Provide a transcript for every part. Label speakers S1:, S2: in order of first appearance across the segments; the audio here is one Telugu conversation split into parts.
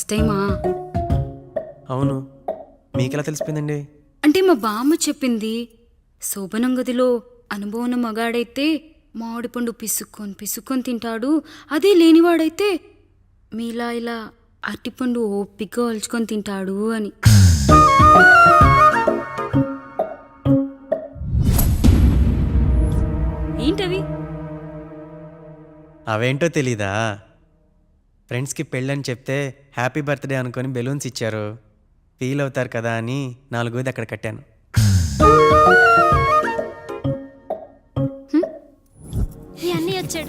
S1: ఫస్ట్ టైమా?
S2: అవును, మీకెలా తెలిసిపోయిందండి?
S1: అంటే మా బామ్మ చెప్పింది. శోభనం గదిలో అనుభవం ఉన్న మగాడైతే మామిడిపండు పిసుక్కొని తింటాడు, అదే లేనివాడైతే మీలా ఇలా అరటిపండు ఓపిగ్గా ఒలుచుకొని తింటాడు అని. ఏంటవి?
S2: అవేంటో తెలీదా? ఫ్రెండ్స్కి పెళ్ళని చెప్తే హ్యాపీ బర్త్డే అనుకొని బెలూన్స్ ఇచ్చారు, ఫీల్ అవుతారు కదా అని 4 అక్కడ కట్టాను.
S3: ఈ అన్నీ వచ్చాడు.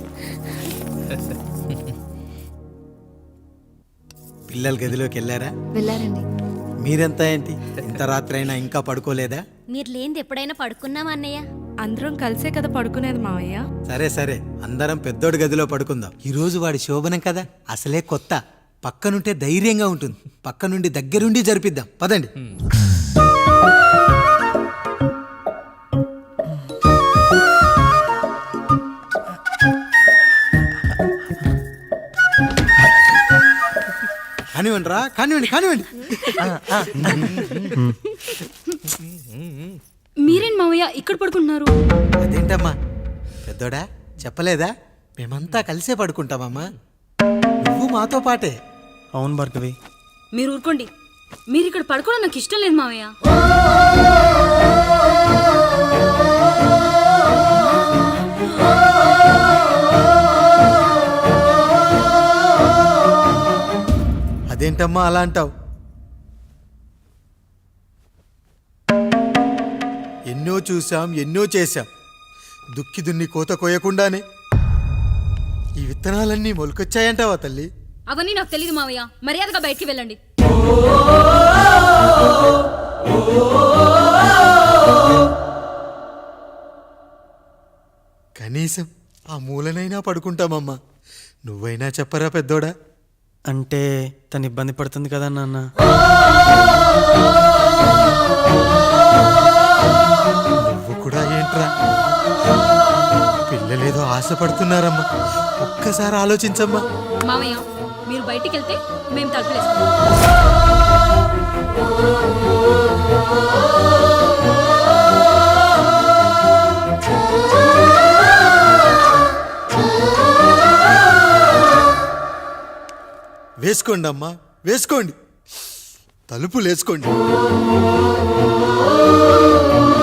S4: పిల్లల గదిలోకి వెళ్ళారా?
S1: వెళ్ళారండి.
S4: మీరెంత ఏంటి ఇంత రాత్రి అయినా ఇంకా పడుకోలేదా?
S3: మీరు లేనిది ఎప్పుడైనా పడుకున్నామా అన్నయ్య?
S5: అందరం కలిసే కదా పడుకునేది మావయ్య.
S4: సరే సరే, అందరం పెద్దోడి గదిలో పడుకుందాం. ఈ రోజు వాడి శోభనం కదా, అసలే కొత్త. పక్కనుంటే ధైర్యంగా ఉంటుంది, పక్క నుండి దగ్గరుండి జరిపిద్దాం. పదండి. కానివ్వండి రా, కానివ్వండి కానివ్వండి.
S1: మీరేంటి మావయ్య ఇక్కడ పడుకుంటున్నారు?
S4: అదేంటమ్మా పెద్దోడా, చెప్పలేదా? మేమంతా కలిసే పడుకుంటామమ్మా, నువ్వు మాతో పాటే.
S2: అవును భార్గవి.
S1: మీరు ఊరుకోండి. మీరు ఇక్కడ పడుకోవడం నాకు ఇష్టం లేదు మావయ్య.
S4: అదేంటమ్మా అలా అంటావు? ఎన్నో చూసాం, ఎన్నో చేశాం. దుక్కి దున్ని కోత కోయకుండానే ఈ విత్తనాలన్నీ మొలకొచ్చాయంటావా తల్లి?
S1: అవన్నీ నాకు తెలియదు మావయ్య, మర్యాదగా బయటికి వెళ్ళండి.
S4: కనీసం ఆ మూలనైనా పడుకుంటామమ్మా. నువ్వైనా చెప్పరా పెద్దోడా?
S2: అంటే తను ఇబ్బంది పడుతుంది కదా నాన్న.
S4: నువ్వు కూడా ఏంట్రా, పిల్లలేదో ఆశపడుతున్నారమ్మా. ఒక్కసారి ఆలోచించమ్మా.
S1: మావయ్య మీరు బయటికి వెళ్తే మేము తలుపులేస్తాం.
S4: వేసుకోండి అమ్మా, వేసుకోండి, తలుపులు వేసుకోండి.